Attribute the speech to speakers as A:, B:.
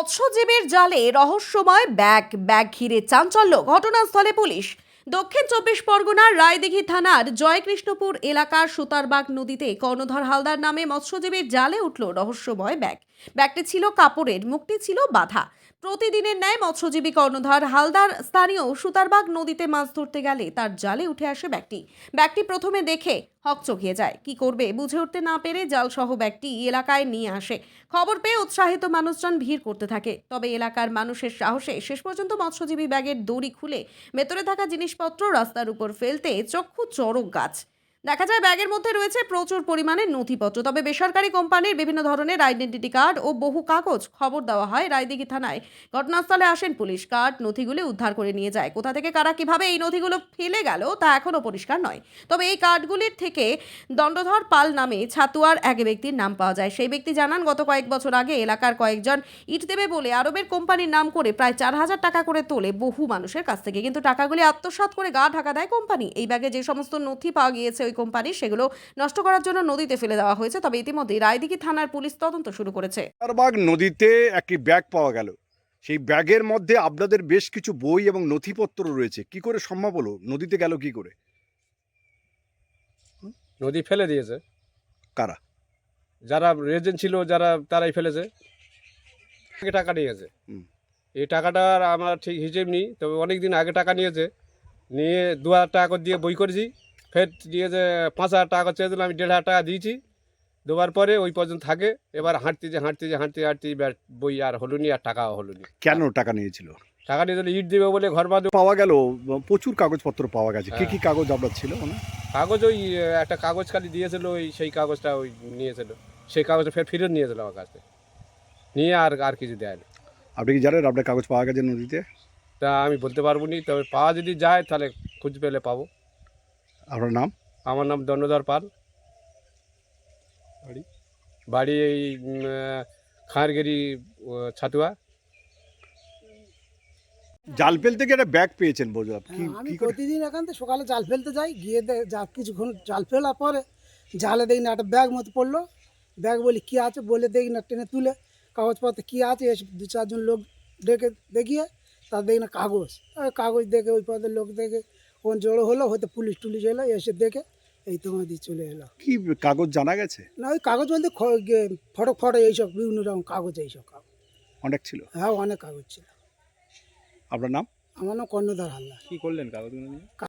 A: মৎস্যজীবীর জালে রহস্যময় ব্যাগ ঘিরে চাঞ্চল্য, ঘটনাস্থলে পুলিশ। দক্ষিণ 24 পরগনার রায়দিঘি থানার জয়কৃষ্ণপুর এলাকার সুতারবাগ নদীতে কর্ণধর হালদার নামে মৎস্যজীবীর জালে উঠল রহস্যময় ব্যাগটি ছিল কাপড়ের, মুখটি ছিল বাঁধা। প্রতিদিনের ন্যায় মৎস্যজীবী কর্ণধর হালদার স্থানীয় সুতারবাগ নদীতে মাছ ধরতে গেলে তার জালে উঠে আসে ব্যাগটি প্রথমে দেখে হকচকিয়ে যায়। কি করবে বুঝে উঠতে না পেরে জালসহ ব্যাগটি এলাকায় নিয়ে আসে। খবর পেয়ে উৎসাহিত মানুষজন ভিড় করতে থাকে। তবে এলাকার মানুষের সাহসে শেষ পর্যন্ত মৎস্যজীবী ব্যাগের দড়ি খুলে ভেতরে থাকা জিনিসপত্র রাস্তার উপর ফেলতে চক্ষু চড়ক গাছ। দেখা যায় ব্যাগের মধ্যে রয়েছে প্রচুর পরিমাণে নথিপত্র। তবে বেসরকারি কোম্পানির বিভিন্ন ধরনের আইডেন্টিটি কার্ড ও বহু কাগজ। খবর দেওয়া হয় রায়দিঘি থানায়। ঘটনাস্থলে আসেন পুলিশ। কার্ড নথিগুলো উদ্ধার করে নিয়ে যায়। কোথা থেকে কারা কিভাবে এই নথিগুলো ফেলে গেল তা এখনো পরিষ্কার নয়। তবে এই কার্ডগুলির থেকে দণ্ডধর পাল নামে ছাতুয়ার এক ব্যক্তির নাম পাওয়া যায়। সেই ব্যক্তি জানান, গত কয়েক বছর আগে এলাকার কয়েকজন ইট দেবে বলে আরবের কোম্পানির নাম করে প্রায় 4,000 টাকা করে তোলে বহু মানুষের কাছ থেকে। কিন্তু টাকাগুলি আত্মসাৎ করে গা ঢাকা দেয় কোম্পানি। এই ব্যাগে যে সমস্ত নথি পাওয়া গিয়েছে ওই কোম্পানির, সেগুলো নষ্ট করার জন্য নদীতে ফেলে দেওয়া হয়েছে। তবে ইতিমধ্যে রায়দিঘি থানার পুলিশ তদন্ত শুরু করেছে।
B: সুতারবাগ নদীতে একটি ব্যাগ পাওয়া গেল। সেই ব্যাগের মধ্যে আপনাদের বেশ কিছু বই এবং নথিপত্র রয়েছে। কি করে সম্ভব হলো? নদীতে গেল কি করে?
C: নদী ফেলে দিয়েছে।
B: কারা?
C: যারা রেজেন্ট ছিল তারাই ফেলেছে। টাকা নিয়েছে। এই টাকাটার আমার ঠিক হিসেব নেই, তবে অনেক দিন আগে টাকা নিয়ে 2,000 টাকা করে দিয়ে বই করেছি। ফের দিয়েছে 5,000 টাকা চেয়েছিল, আমি 1,500 টাকা দিয়েছি। দেওয়ার পরে ওই পর্যন্ত থাকে। এবার হাঁটতে বই আর হলো নি, আর টাকাও হলো নি।
B: কেন টাকা নিয়েছিল?
C: টাকা নিয়ে ইট দেবে বলে ঘর বাঁধবে।
B: পাওয়া গেল প্রচুর কাগজপত্র পাওয়া গেছে। কি কি কাগজ আপনার ছিল?
C: কাগজ ওই একটা কাগজ খালি দিয়েছিল, সেই কাগজটা নিয়েছিল। সেই কাগজটা ফেরত নিয়েছিল আমার কাছে, নিয়ে আর কিছু দেয় না।
B: আপনি কি জানেন আপনার কাগজ পাওয়া গেছে নদীতে?
C: তা আমি বলতে পারবো নি, তবে পাওয়া যদি যায় তাহলে খুঁজ পেলে পাবো।
B: আপনার নাম?
C: আমার নাম দণ্ডধর পাল। বাড়ি এই খাঁড়গেরি, ছাতুয়া।
B: জাল ফেলতে গিয়ে একটা ব্যাগ পেয়েছেন বুঝলাম।
D: আমি
B: কি করে?
D: প্রতিদিন এখান থেকে সকালে জাল ফেলতে যাই, গিয়ে যা কিছুক্ষণ জাল ফেলার পরে জালে দেখি না একটা ব্যাগ মতো পড়লো। ব্যাগ বলি কী আছে, বলে দেখি না টেনে তুলে কাগজপত্র কী আছে, এসে 2-4 জন লোক দেখিয়ে তার দেখি না কাগজ দেখে ওই পদের লোক দেখে ওখানে জড়ো হলো, হয়তো পুলিশ টুলিশ এলো, এসে দেখে এই তোমাদের চলে এলো।
B: কি কাগজ জানা গেছে?
D: না ওই কাগজ বলতে ফটো এইসব বিভিন্ন রকম কাগজ, এইসব কাগজ
B: অনেক ছিল?
D: হ্যাঁ, অনেক কাগজ ছিল।
B: আপনার নাম?
D: আমার নাম কর্ণধর হালদার।
C: কি করলেন কাগজগুলো নিয়ে?